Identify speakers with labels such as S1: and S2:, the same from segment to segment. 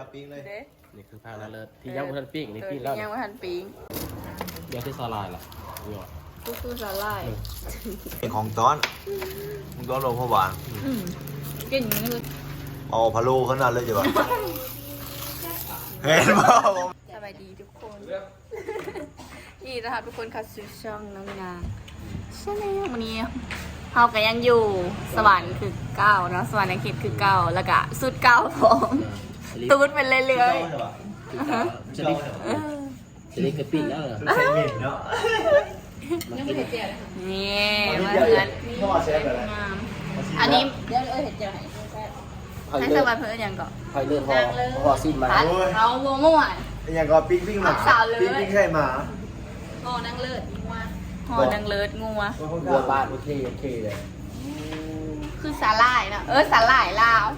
S1: าปิ้งเลย
S2: นี่คือพางนาเลิศที่ยังไม่ทันปิ้งนี่ปิ้งแล้ว
S3: ยังไม่ทันปิ้ง
S2: เดี๋ยวที่ซาลายล่ะนี่ว่ะ
S3: ตู้สาลาย
S1: เป็นของต้อนลงพวาน
S3: กินนี่คือ
S1: เอาพะโล้ขนาดเลยจ้ะวะเห็นป่าว
S3: สบายดีทุกคนนี่นะคะทุกคนค่ะสู่ช่องน้องนางใช่ไหมวันนี้เฮาก็ยังอยู่สวรรค์คือเก้าเนาะสวรรค์ในเขตคือเก้าแล้วก็สุดเก้าผมตูดเป็นเรื่อย
S2: จะได้กระปิ้งแล้วเหรอ
S3: นี่มาเพื่อนงามอันนี้เดี๋ยวเห็ดเจียวให้สวัสดิ์เพื่อนยังก่อน
S2: ไฟเลือดพอสิ้นมา
S3: เอาโมโม่
S1: ยังก็ปิ้งหมาปิ้งไข่หมา
S3: ห่อนังเลิศงัวห่อนังเลิศงัว
S2: วัวบ้านโอเคเลย
S3: คือสาหร่ายนะสาหร่ายลาว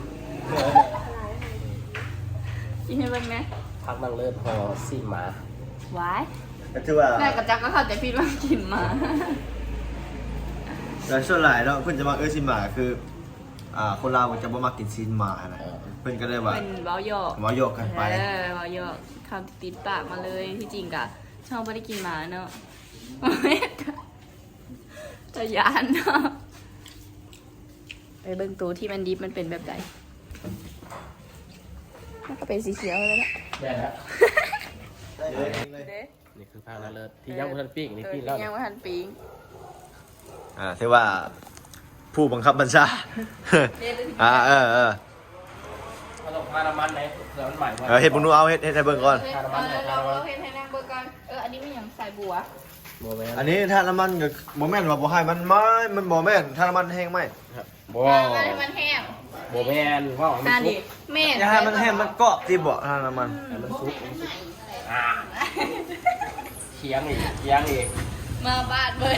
S3: กินให้เบิ่งนะ
S2: พักนังเลิศพอสิ้นมา
S3: ไว้
S1: ก็ถือว่า
S3: แม่กับจักก็เข้าใจพี่ว่ากินมา
S1: แต่ส่วนหลายเนาะเพื่อนจะมาซินหมาคือคนลาวจะบ่มากินซินหมานะเพื่อนก็เลยว่า
S3: เป็นเบาหย
S1: อกกันไป
S3: เบาหยอกคำติดปากมาเลยที่จริงกะชอบไม่ได้กินหมาเนาะจะยานเนาะไปเบิ่งตัวที่มันดิบมันเป็นแบบใดมันก็เป็นสีเขียวแล้วนะ
S2: ได้แล้วนี่คือพางนาเลิศที่ยังไม่ทันปิ้งนี่ปิ้งแล้ว
S3: ยังไม่ทันปิ้ง
S1: ถือว่าผู้บังคับบัญชา
S2: เอาลงทาน้ำมันไหนเดี๋ยวมันใหม่
S1: เฮ็ดบุญนูเอาเฮ็ดให้เบิ่งก่อน
S3: เราเฮ็ดให้นางเบิ่งก่อนอันนี้ไม่อย่างใส่บัว
S1: อันนี้ถ้าน้ำมันก็บ่แม่นว่าบ่ให้มันบ่แม่นถ้าน้ำมันแห้งไหม
S2: บ่
S3: ให้มันแห้ง
S2: บ่แม่นว่ามันสุก
S3: แม่น
S1: อย่าให้มันแห้งมันเกาะที่บ่ถ้าน้ำมัน
S2: ให้มันสุกเคียงอีก
S3: มาบ้านเบิ่น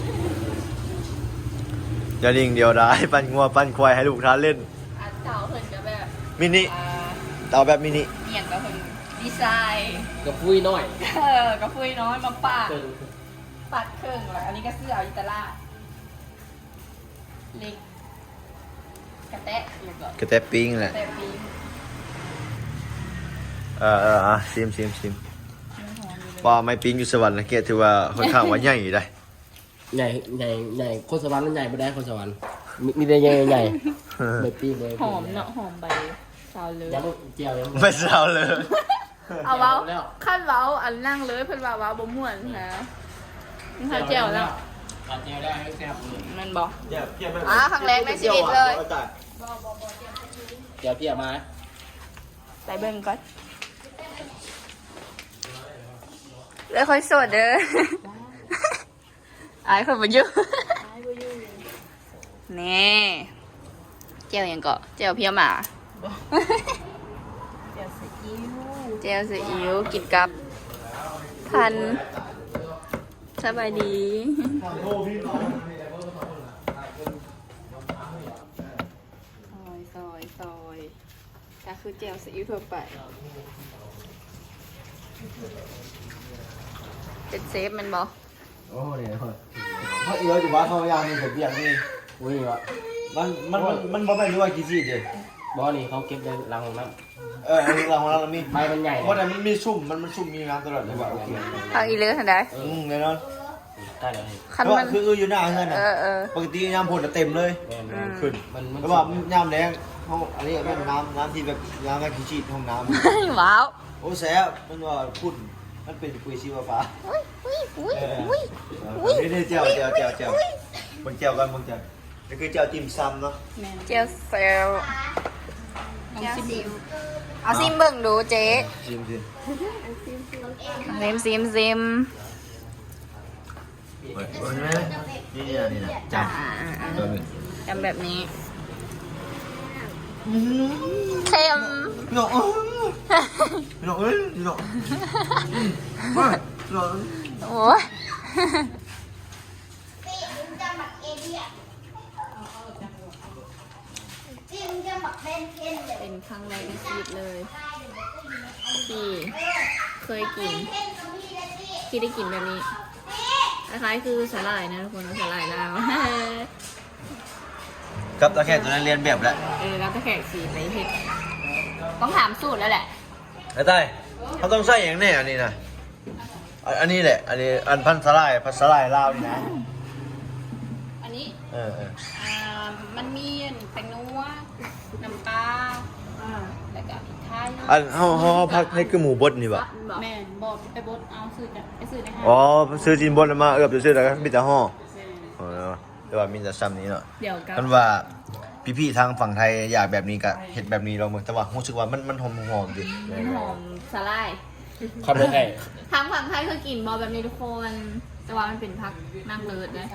S1: อย่าดิ่งเดียวได้ปั้นงัวปั้นควายให้ลูกทานเล่น
S3: เต่าเพิ่นก็แบบ
S1: มินิเต่าแบบมินิ
S3: เหี่ยงก็เพิ่นดีไซน์
S2: กระพุ้ยน้อย
S3: กระพุ้ยน้อยมาปาดเครื่องแล้วอันนี้ก็เสื้ออิตาลีเล็กกระแตะ
S1: ปิ้งแหละชิมปลาไม่ปิ้งอยู่สวรรค์นะเกศถือว่าค่อนข้างว่าใหญ่ได้
S2: ใหญ่คนสวรรค์มันใหญ่ไม่ได้คนสวรรค์มีแต่ใหญ่ใบปีเลย
S3: หอมเนาะหอมใบซาวเลย
S2: ยังเจียวยัง
S1: ไม่ซาวเลย
S3: เอาเว้าขั้นเว้าอันนั่งเลยเพิ่นว่าเว้าบ่ม่วนนะนี่ค่ะเจียวแล้ว
S2: เจียวได้ให้แซ่บ
S3: มันบอกครั้งแรกในชีวิตเลย
S2: เจียวเพี้ยมา
S3: ใส่เบิ่งก่อนแล้วค่อยสดเด้ออายคนมายุ่งนี่เจียวยังเกาะเจียวเพี้ยหมาเจียวซีอิ๊วกินกับพันสบายดีซอยก็คือเจียวซีอิ๊วทั่วไปเป็นเซฟมันบอ
S1: โอ้เนี่ยเขาเยอะอยู่ว่าเขายางนี่ผมอย่างนี้
S2: อุ้ยวะ
S1: มันบ่แม่นด้วยกี่ซี่เด้
S2: บ่นี่เขาเก็บในรังของน้
S1: ำรังของเรามี
S2: ใบมันใหญ่
S1: เพราะแต่มันมีชุ่มมีน้ำตลอดเลยว่าโอเค
S3: ทางอีเลือทันได้
S1: แน่นอน
S2: ได้เลย
S1: คันมันคืออยู่หน้าเฮือนน่ะปกติยามฝนเต็มเลยขึ้นแล้วว่ายามแล้งเขาอันนี้เป็นน้ำที่แบบน้ำขี้ชีดห้องน้
S3: ำว้าว
S1: โอ้แซ่บมันว่าพุ่นมันเป็นปุ๋ยชีวฟ้านี่เจียวบนเจียวกันบนเจียวนี่คือเจียวติ่มซำเนาะ
S3: เจียวเซลเอาซิมเบิ่งดูเจ๊ซิม
S1: นี่
S3: จำแบบนี้เค็ม
S1: พี่น้องเอ้ยพี่น้อง
S3: โอ้ยเป็นครั้งแรกในชีวิตเลยที่เคยกินที่ได้กินแบบนี้คล้ายๆคือสาหร่ายนะทุกคนสาหร่ายลาว
S1: กับตะแคงตัวนั้นเรียนแบบแล้ว
S3: แล้วตะแคงสีในเห็ดต้องถามสูตรแล้วแหละ
S1: ไอ้ใต้เขาต้องใส่อย่างแน่อันนี้นะอันนี้แหละอันนี้อันพันสลายลาวนี่นะ
S3: อันนี้
S1: เออ
S3: มันมีแตงนัวน้ำปลาแล้วก็พริกไทย
S1: อันเขาพักให้คือหมูบดนี่ปะ
S3: แม่บอกไปบดเอาซื้อจ้ะไปซื้อในห้าง
S1: อ๋อซื้อจีนบดมาเอือบจะซื้อแล้วก็มีแต่ห่อแต่ว่ามีแต่ซ้ำนี้เนาะ
S3: เดี๋ยวกั
S1: กันว่าพี่ๆทางฝั่งไทยอยากแบบนี้ก็เห็ดแบบนี้เราเหมือนแต่ว่ารู้สึกว่ามันหอมๆดิ
S3: หอมสลาย
S2: คำเลยไง
S3: ทางฝั่งไทยคือกินบอแบบนี้ทุกคนแต่ว่ามันเป็นพักนั่งเลิศนะ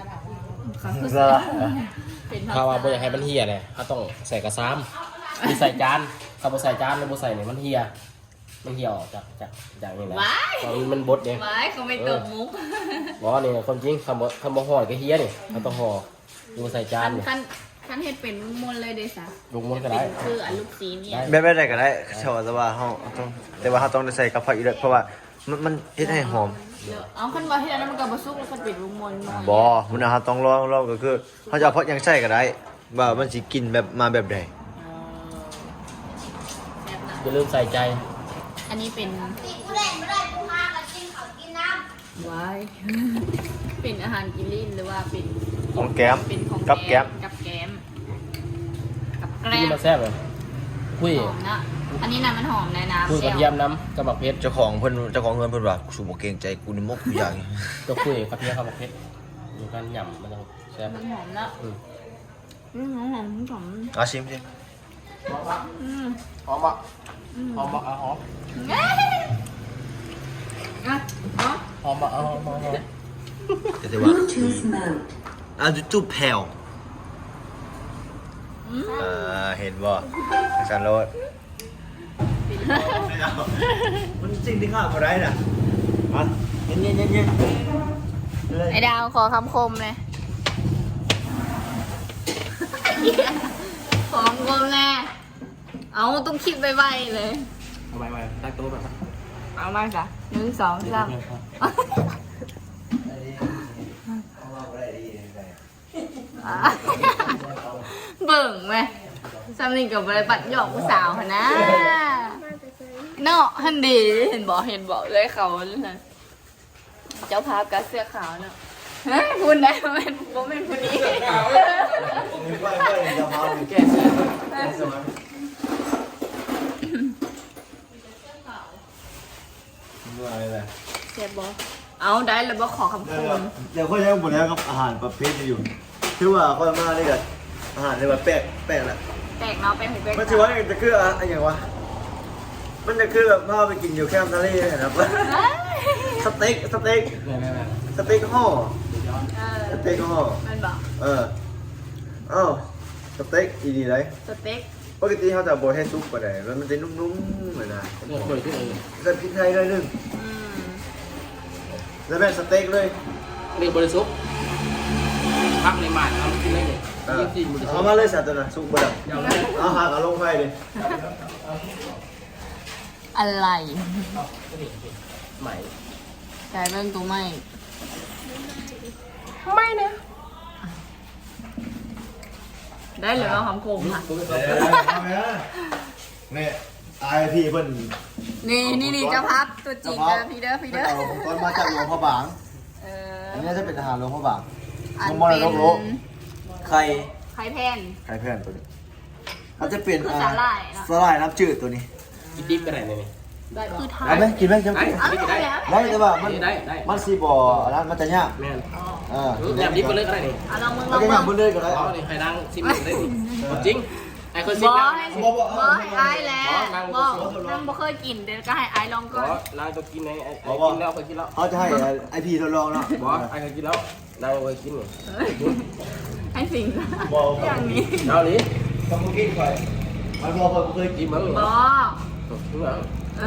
S3: เป็นพัก
S2: ข้าวว่าบ่อยากให้มันเฮียเลยเขาต้องใส่กระซ้ำมีใส่จานข้าวบ่ใส่จานแล้วบ่ใส่เนี่ยมันเฮียออกจากนี่แหละ
S3: ว้าย
S2: ตอนมันบดเนี่ย
S3: ว้ายเขาไม่ตบมุก
S2: บอกว่านี่คนจริงคำบ่ห่อก็เฮียนี่เขาต้องห่อบ่ใส่จานเนี่ย
S3: ขั้นเห็ดเป็นมนเลยเดซ่า
S2: ลุงมันก็ได้
S3: คืออันลูกซีนี่
S1: แบบได้ก็ได้ชอบแต่ว่าเขาต้องแต่ว่าเขาต้องได้ใส่กับผักอีกเพราะว่ามันเฮ็ดให้หอม
S3: เอาขั้นว่าที่อันนั้นมันกับบะซุกแล้วก็ปิดลูกมนหน่อย
S1: บอมันนะครับต้องลองก็คือเขาจะเอาเพราะยังใส่ก็ได้ว่ามันสิกินแบบมาแบบใด
S2: อย่าลืมใส่ใจ
S3: อันนี้เป็น
S4: กูเล่นไม่ได้กูพากันกินเขากินน้
S3: ว้าย เป็นอาหารกินลิ้นหรือว่าเป็น
S1: ของแก้ม
S3: เป็นของ
S1: กับแก้ม
S3: กับแก้มกับแกล้
S2: ที่
S3: ม
S2: มาแซ่บเลยคุย
S3: หอมนะอันนี้นะมันหอมในน้ำ
S2: คุยกระเทียมน้ำกระบอกเพชร
S1: เจ้าของเพิ่นเพิ่นว่าสูบ่เกรงใจกูนี่มกกูอย่าง
S2: ก็คุยกระเทียมกระบอกเพชรอยู่กันหย่ำมันต้องแซ่บ
S3: มันหอมนะหอมหอม
S1: อาชิมสิ
S2: หอมปะหอมปะหอม
S3: อ่ะอ๋อ
S2: หอมปะหอม
S1: แต่ว่าดูตู้แผ่วเห็นบ่สันโรดมันจริงที่ข้าบ่ได้น่ะอ่ะเย็นๆ
S3: ไอ้ดาวขอคำคมเลยขอคำคมแน่เอาต้องคิดไวๆเลย
S2: เอาไปตั้งโต๊ะแบบ
S3: เอามาจ้ะ1 2 3เบิ่งไหมซัมนี่กับบริบัติหยอกผู้สาวค่ะนะเนาะฮันดีเห็นบอกเลยเขาเลยนะเจ้าภาพกับเสื้อขาวเนาะเฮ้ยพูดได้โมเป็นผู้นี้
S2: แก้เสื้อ
S3: เสียบอเอาได้เลยบอกขอคำคม
S1: เดี๋ยวค่อยยังหมดแล้วกับอาหารประเภทนี้อยู่คือว่าค่อยมาได้กับอาหารในแบบแปลกแหละ
S3: แตกเนาะเป็นหูเป็น
S1: มันถือว่าจะคืออะไรอย่างวะมันจะคือแบบพาไปกินอยู่แคมป์ทะเลนะครับสเต็กห่อสเต็กห่อ
S3: มันบอก
S1: อ้าวสเต็กอีดีเลย
S3: สเต็ก
S1: ปกติเขาจะโบยให้ซุปก็ได้แล้วมันจะนุ่มๆเหมือนนะ
S2: เลือกเลยที่ไหน
S1: ใส่พริกไทยด้วยนึงแล้วแบบสเต็กเลย
S2: เรียกบริสุทธิ์พักในหมาดเอากินได้เลยจริงบริสุท
S1: เอา
S2: ธิ์
S1: มาเลยสัตว์ตัวน่ะซุปบดเอาหักเอาลงไปดิ
S3: อะไร
S2: ใหม่
S3: กลายเป็นตัวไม่
S2: ไม่นะ
S3: ได้เลยว่าคำคมค่ะ
S1: เนี่ยไอพี่เพิ่น
S3: นี่เจ้าพับตัวจริงนะพี่เด้อ
S1: เอาตอนมาจากหลวงพระบาง อันนี้จะเป็นอาหารหลวงพระบาง
S3: อัน
S1: มอ
S3: เป็
S1: ล
S3: น
S1: โลไข่
S3: ไข่แพน
S1: ไข่เพื่อนตัวนี้เขาจะเป็น
S3: คือสาหร่ายเนอะ
S1: สาหร่ายน้ำจืดตัวนี้
S2: กินดิบก็ได้เลยนี่
S3: คือไท
S1: ได้
S3: ย
S1: ไหมกินไหมจะ
S2: ได้
S1: กิน
S3: เอา
S2: ได้
S3: แล้ว
S1: ได้แต่ว่ามัน
S2: ได้
S1: มันซีบออันนั้นมันจะยาก
S2: แม่น
S1: กิน
S2: แบบดิบก็เลิกก็ได้นี่
S3: เอาลองมึงล
S1: แล้
S3: อ
S1: ว
S3: ง
S1: ก็
S3: มึ
S1: ยาง บนเลยก็ได้
S2: อ๋อนี่ใครนั่งซิมได้นี่จริงไอ้คนซิ
S3: บ
S2: ม
S3: อ
S2: นั่ง
S3: ให้ไอ้แล้วบอกนั่งบ่เคยกินเดี๋ยวก็ให้ไอ้ลองก่อน
S2: นางจะกินไอ้กินแล้วเคยกินแล้ว
S1: เขาจะให้ไอพีทดลองเนาะ
S2: บอสไอ้เคยกินแล้วนางเคยกิน
S3: ให้สิ่ง
S1: บอก
S3: อย่างนี้
S2: เอาดิ
S1: ต้องกินก่อนมันบอกผมเคยกิ
S2: กิ
S1: น
S2: นมั้ง
S3: บอ
S2: ถึงแล้ว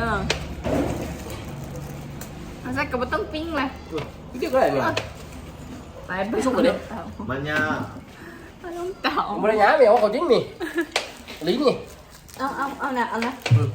S3: มันจะกับต้องปิ้งเลย
S2: เดี๋ยวก็ได้เนี่ย
S3: ไปสุกเลย
S1: มันยาก
S3: มันต้องเต่า
S2: บริญญาเมียวเขาจริงนี่ลิ้นนี่
S3: เอานะ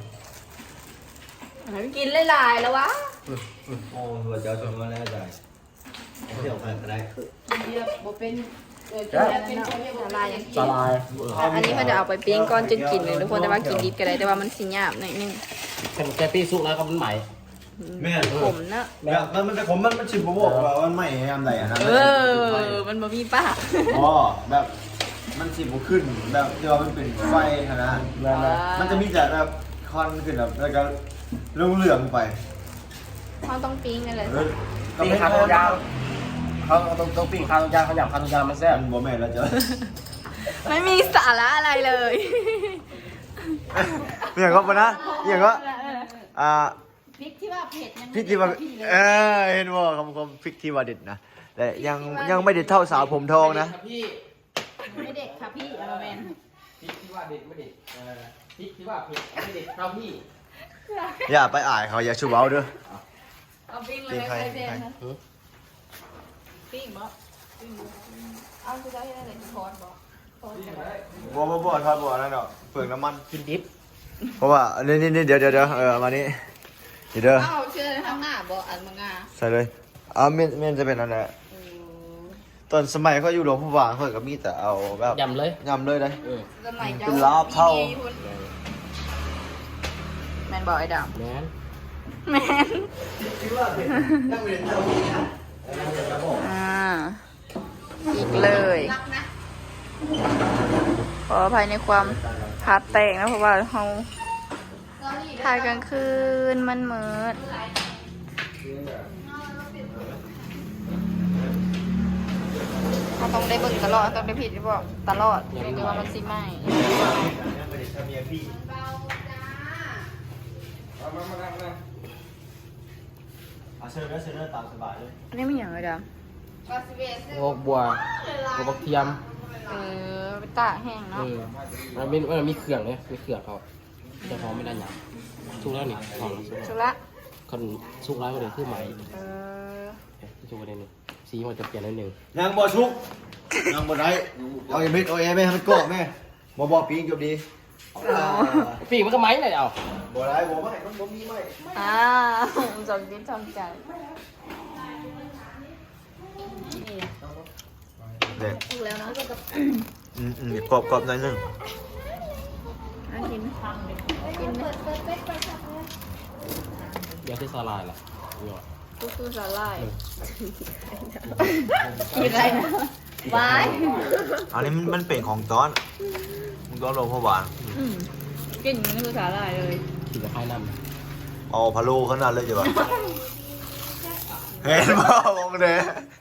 S3: กินหลายๆแล้ววะ
S1: โอ้หัวเจ้าชมมาแล้วใจเที่ยวกันก็ได้
S3: เยอะบ่เป็นสาลายยัง
S2: สลาย
S3: อันนี้เขาจะเอาไปปิ้งก้อนจนกินเลยทุกคนแต่ว่ากินดิบก็ได้แต่ว่ามันสิหยาบหน่อยนึง
S2: แค่ปี้สุกแล้วก็มันใหม่
S1: แม่
S3: ขมนะ
S1: แบบมันแต่ผมมันชิมบอกว่ามันไม่ยามใดอะนะ
S3: มันบ่มีป้า
S1: อ๋อแบบมันชิมบ่ขึ้นแบบที่ว่ามันเป็นไฟนะมันจะมีแต่แบบคอนขึ้นแบบแล้วก็เรื่องเหลืองไป
S3: เขาต้องปิ้งกันเลย
S2: ปิ้งขาตรงยาวเขาต้องปิ้งขาตรงยาวเขาหยาบขาตรงยาวมันแซ่บ
S1: มันบ่แม่นแล้วจ้ะ
S3: ไม่มีสาระอะไรเลย
S1: อย่างก็ปะนะอย่างก็
S4: พริกที่ว่าเผ็ดยัง
S1: พริกที่ว่าเห็นว่าคำพริกที่ว่าเด็ดนะแต่ยังไม่เด็ดเท่าสาวผมทองนะ
S2: พี่
S4: ไม่เด็ดค่ะพี่อาแมน
S2: พริกที่ว่าเด็ดไม่เด็ดพริกที่ว่าเผ็ดไม่เด็ดเท่าพี่
S1: อย่าไปอายเขาอย่าชูเบ้าเด้อ
S3: เอาปิ้งเลย
S1: ปิ้งใคร
S3: ไปเจนนะปิ้งบ่เอาคือจะให้อะไรทอดบ่ทอดกัน
S1: บ่ทอดบ่นั่นดอกเปลืองน้ำมัน
S2: กินดิบ
S1: เพราะว่านี่เดี๋ยวมานี่เดี๋ยว
S3: เอาเชื่อข้างหน้าบ่อันมังงา
S1: ใส่เลยเมนจะเป็นอะไรตอนสมัยเขาอยู่หลวงพ่อวางเขาก็มีแต่เอาแบบ
S2: ยำเลย
S1: ยำเลยนะ
S3: สมัยเจ้า
S1: เป็นลาบเท่า
S3: แมนบอกไอ้ด
S2: แมน
S3: ำแมนอีกเลยขออภัยในความพาดแตกนะเพราะว่าเราถ่ายกลางคืนมันมืดเราต้องได้เบิ่งตลอดต้องได้ผิดหรือเปล่าตลอดหรือว่ามันสิไหม
S1: เชิญได้ตามสบายเลย
S3: อันนี้มันอย่างไรด
S2: งอกบัวงอกบักเทียม
S3: ำไปตากแห้งเนาะ
S2: มันมีเครื่องเลยมีเครื่องเขาแต่เขาไม่ได้หยำสุกแล้วนี่ของสุก
S3: ชุละ
S2: คนสุกแล้วก็เลยคือใหม่
S3: เออ
S2: สุกประเด็นหนึ่งสีมันจะเปลี่ยนนิดนึง
S1: ยังบ่ชุกยังบ่ได้เอาเม็ดเอาแม่ให้มันกรอบแม่บ่ปีนจบดี
S2: ปีกมันก็ไม้เลยเอา
S1: บ่ได้บ่ไม่มันบ่มีไม่
S3: จงดิ้นจงใจ
S1: เด็ก
S3: ถูกแล้วเนาะ
S1: กรอบหน่อยนึง
S3: กินกินเลย
S2: เดี๋ยวที่สลายแหละนี่หรอ
S3: ตู้สาลายกินอะไรนะวาย
S1: อันนี้มันเป็นของต้อนมึงต้อนหลวงพ่อวาง
S3: กินมันคือสาลายเลย
S2: กินกับไข่น้ำ
S1: เอาพะโล้ขนาดเลยจ้ะวะเห็นบ่มองเด้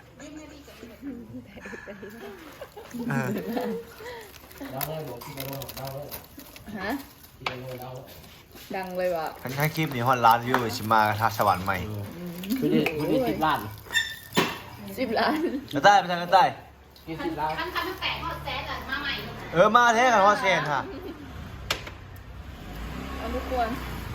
S2: เราได้บอกที่เราเราเลย
S3: ฮะ
S2: ที่เรา
S3: ดังเลยว่ะ
S1: คันคลิปนี้ฮอดล้านวิวชิมากระทะสวรรค์ใหม่
S2: คือดิ10 ล้าน
S3: 10 ล้าน
S1: กระต่ายไปทางกระต่าย
S2: 10 ล้าน
S4: คันทั้งแตกหอดแซดอะมาใหม่
S1: มาแท้กันว่าเซนค่ะ
S3: เอาทุกคน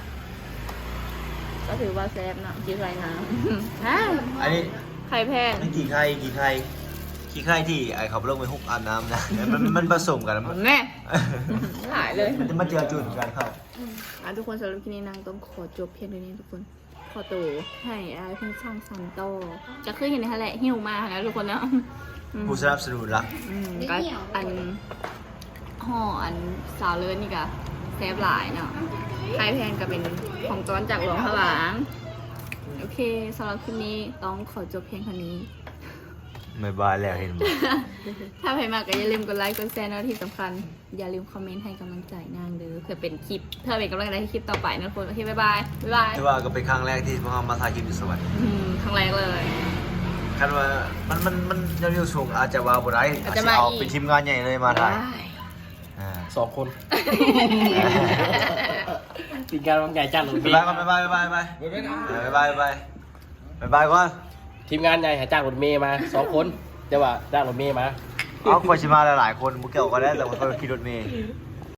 S3: ก็ถือว่าแซ่บเนาะกินไรน้ำฮะ
S1: อันนี้
S3: ไข่แพง
S1: นี่กี่ไข่ที่ไอ้เขาลงไปฮุกอาบน้ำนะมันผสมกันมัน
S3: แน่หายเลย
S1: มันจะมาเจอจุดกันครับ
S3: ทุกคนสำหรับคลิปนี้นางต้องขอจบเพียงเท่านี้ทุกคน ขอตัวให้เพื่อนช่างซันโตจะขึ้นเห็นในทะเลหิวมากนะทุกคนเนาะ
S1: ผู้สนับสนุนรัก
S3: ก็อันห่ออันสาวเลิศนี่ก็แซ่บหลายเนาะไข่แพงก็เป็นของจอนจากหลวงพระบางโอเคสำหรับคลิปนี้ต้องขอจบเพียงเท่านี้
S1: ไม่บายแล้วเห็นบ่
S3: ถ้าใครมาก็อย่าลืมกดไลค์กดแชร์นะที่สำคัญอย่าลืมคอมเมนต์ให้กำลังใจนางเด้อเพื่อเป็นคลิปเพื่อเป็นกำลังใจให้คลิปต่อไปนะทุกคนโอเคบ๊ายบายบ๊ายบาย
S1: แต่ว่าก็เป็นครั้งแรกที่พวกเรามาถ่ายคลิปอยู่สวรรค์
S3: ครั้งแรกเลย
S1: คันว่ามันยังอยู่สูงอาจจะว่าบ่ได้
S3: อาจจะมา
S1: เอา
S3: อีก
S1: เป็นทีมงานใหญ่เลยมาถ่าย
S2: 2 คนกินการวางใหญ่จ้างหลวงพี่
S1: บ๊ายบายก่อน
S2: ทีมงานใหญ่หาจ้างรถเมย์มา2 คนแต่ว่าจ้างรถเมย์มา
S1: เอาคนชิมาหลายๆคนมุกเกี่ยวกันได้แต่ว่าเขาขี่รถเมย์
S2: เ